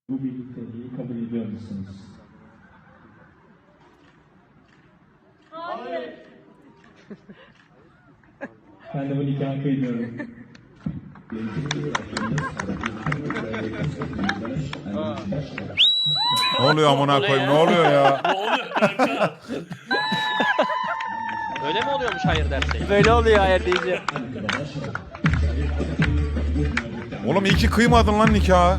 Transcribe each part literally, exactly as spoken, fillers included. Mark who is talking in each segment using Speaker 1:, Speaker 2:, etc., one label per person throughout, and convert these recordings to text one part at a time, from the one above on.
Speaker 1: Bu birlikteliği kabul ediyor musunuz?
Speaker 2: Hayır.
Speaker 1: Ben de bu nikahı kıymıyorum.
Speaker 3: Ne oluyor amına koyayım? Ne oluyor ya?
Speaker 4: Ne oluyor kanka?
Speaker 5: Öyle mi oluyormuş hayır dersek?
Speaker 2: Böyle oluyor hayır deyince.
Speaker 3: Oğlum iyi ki kıymadın lan nikahı.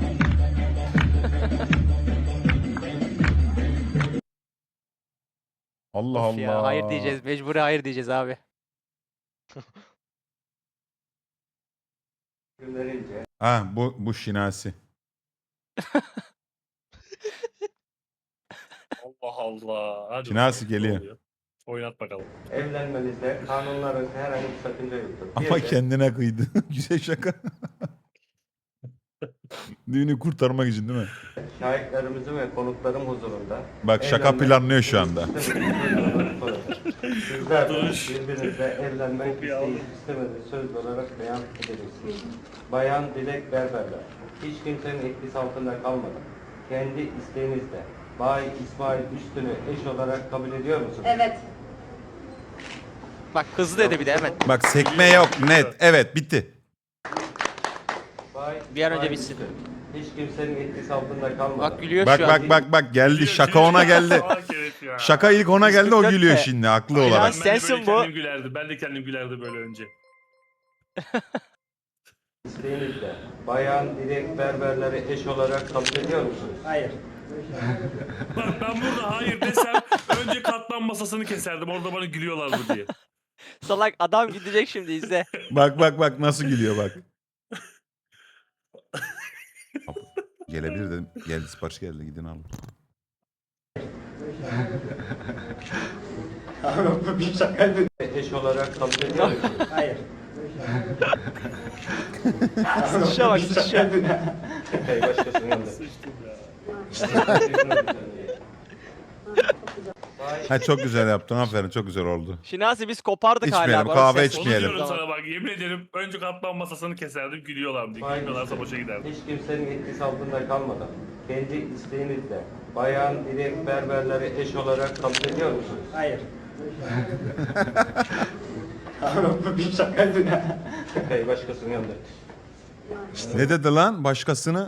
Speaker 3: Allah
Speaker 2: Of
Speaker 3: Allah.
Speaker 2: ya, hayır diyeceğiz. Mecburi hayır diyeceğiz abi.
Speaker 3: Ha bu bu şinasi.
Speaker 4: Allah Allah. Hadi
Speaker 3: Şinasi
Speaker 4: bakalım, ne
Speaker 3: geliyor.
Speaker 4: oluyor? Oynat bakalım.
Speaker 6: Evlenmenizde kanunların herhangi bir sakınca yoktur. Bir
Speaker 3: Ama
Speaker 6: de
Speaker 3: kendine kıydı. Güzel şaka. Düğünü kurtarmak için değil mi?
Speaker 6: şahitlerimizin ve konuklarım huzurunda
Speaker 3: Bak şaka
Speaker 6: evlenmek
Speaker 3: planlıyor şu anda.
Speaker 6: Sizler de
Speaker 4: Dur.
Speaker 6: birbirinizle evlenmek
Speaker 4: Kopya aldım.
Speaker 6: isteyip istemediğiniz söz olarak beyan edeceksiniz. Bayan Dilek Berberler, hiç kimsenin etkisi altında kalmadan, kendi isteğinizle Bay İsmail Üstün'ü eş olarak kabul ediyor musunuz?
Speaker 7: Evet.
Speaker 2: Bak hızlı dedi bir de hemen.
Speaker 3: Bak sekme yok net. Evet bitti.
Speaker 6: Bay
Speaker 2: Bir an önce
Speaker 6: İsmail
Speaker 2: bitsin.
Speaker 6: Üstün, hiç kimsenin etkisi altında kalmadan.
Speaker 2: Bak gülüyor
Speaker 3: Bak
Speaker 2: şu an.
Speaker 3: bak bak bak geldi şaka ona geldi.
Speaker 4: Salak herif ya.
Speaker 3: Şaka ilk ona geldi o
Speaker 2: Kırk dört
Speaker 3: gülüyor
Speaker 2: de.
Speaker 3: şimdi haklı
Speaker 2: Aynen.
Speaker 3: olarak.
Speaker 4: Ben de
Speaker 2: Sensin
Speaker 4: böyle
Speaker 2: bu.
Speaker 4: kendim gülerdi. Ben de kendim gülerdi böyle önce.
Speaker 6: İsteğinizle Bayan Dilek Berberleri eş olarak kabul ediyor musunuz? Hayır.
Speaker 4: Bak ben burada hayır desem önce katlan masasını keserdim. Orada bana gülüyorlardı diye.
Speaker 2: Salak adam gidecek şimdi izle.
Speaker 3: Bak bak bak nasıl gülüyor bak. Gelebilir dedim. Geldi sipariş geldi gidin alın.
Speaker 6: Eş olarak kabul ediyor musunuz? Hayır.
Speaker 2: Sıçışa bak sıçışa.
Speaker 6: Hey, başkasının yanında.
Speaker 4: Sıçtım ya.
Speaker 3: Ha çok güzel yaptın aferin çok güzel oldu.
Speaker 2: Şinasi biz kopardık
Speaker 3: İçmeyelim,
Speaker 2: hala. Bana
Speaker 3: kahve
Speaker 2: ses-
Speaker 4: Onu
Speaker 3: İçmeyelim.
Speaker 4: diyorum sana bak. Yemin ederim önce katlan masasını keserdim gülüyorlardı.
Speaker 6: Hayır.
Speaker 4: Gülmüyorlarsa boşa giderdim.
Speaker 6: Hiç kimsenin etkisi altında kalmadan, kendi isteğinizle Bayan Dilek Berberleri eş olarak kabul ediyor musunuz? Hayır. Bir şakaydı ya. Hey, başkasının yanında.
Speaker 3: Ne dedi lan başkasını?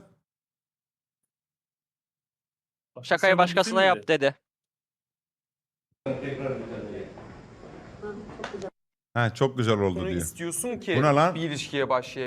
Speaker 2: Şakayı başkasına
Speaker 4: Bütün
Speaker 2: yap
Speaker 4: miydi?
Speaker 2: dedi.
Speaker 6: Tekrar bir tane.
Speaker 3: Ha çok güzel oldu
Speaker 8: Bunu
Speaker 3: diyor.
Speaker 8: istiyorsun ki
Speaker 3: Bu ne lan?
Speaker 8: bir ilişkiye başlayabilir.